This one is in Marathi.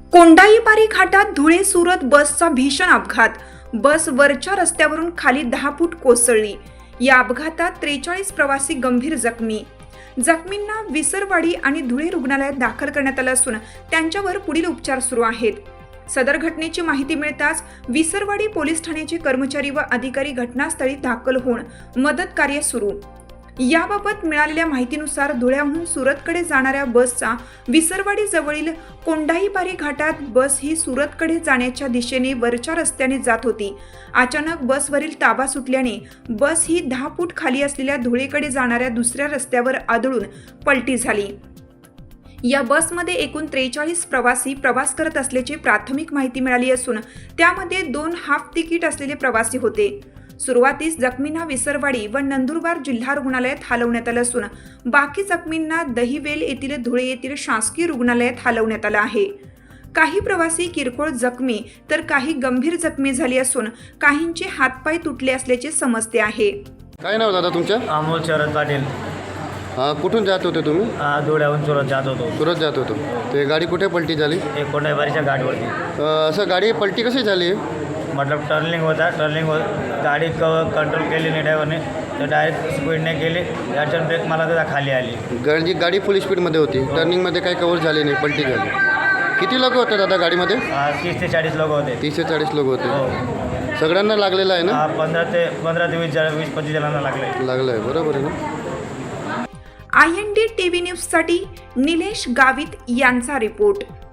कोंडाईपारी घाटात धुळे सुरत बसचा भीषण अपघात। बस वरच्या रस्त्यावरून खाली 10 फूट कोसळली। या अपघातात 43 प्रवासी गंभीर जखमी। जखमींना विसरवाडी आणि धुळे रुग्णालयात दाखल करण्यात आलं असून त्यांच्यावर पुढील उपचार सुरू आहेत। सदर घटनेची माहिती मिळताच विसरवाडी पोलीस ठाण्याचे कर्मचारी व अधिकारी घटनास्थळी दाखल होऊन मदत कार्य सुरू। याबाबत मिळालेल्या माहितीनुसार धुळ्याहून सुरतकडे जाणाऱ्या बसचा विसरवाडी जवळील कोंडाईपारी घाटात बस ही सुरतकडे जाण्याच्या दिशेने वरच्या रस्त्याने जात होती। अचानक बसवरील ताबा सुटल्याने बस ही 10 फूट खाली असलेल्या धुळेकडे जाणाऱ्या दुसऱ्या रस्त्यावर आदळून पलटी झाली। या बसमध्ये एकूण 43 प्रवासी प्रवास करत असल्याची प्राथमिक माहिती मिळाली असून त्यामध्ये 2 हाफ तिकीट असलेले प्रवासी होते। सुरुवातीस जखमींना विसरवाडी व नंदुरबार जिल्हा रुग्णालयात हलवण्यात आलं असून बाकी जखमींना दहिवेल येथील धुळे येथील शासकीय रुग्णालयात हलवण्यात आलं आहे। काही प्रवासी किरकोळ जखमी तर काही गंभीर जखमी झाली असून काहींचे हातपाय तुटले असल्याचे समजते आहे। काय नाव दादा तुमचं? अमोल शरद पाटील। कुठून जात होते तुम्ही? धुळ्याहून सुरत जात होतो। सुरत जात होतो। ते गाडी कुठे पलटी झाली? एक कोंडाईपारीच्या गाडीवरती। असं गाडी पलटी कशी झाली? मतलब टर्निंग होता, गाडी कंट्रोल केली नाही ड्रायव्हरने, तर डायरेक्ट स्पीडने गेली। अडचण ब्रेक मला त्याचा खाली आली। गाडी फुल स्पीडमध्ये होती, टर्निंगमध्ये काही कव्हर झाली नाही, पलटी झाली। किती लोक होते दादा गाडीमध्ये? 30 ते 40 लोक होते। 30 ते 40 लोक होते। हो। सगळ्यांना लागलेलं आहे ना? 15 ते 20-25 जणांना लागलं आहे, बरोबर आहे ना? IND TV न्यूजसाठी निलेश गावित यांचा रिपोर्ट।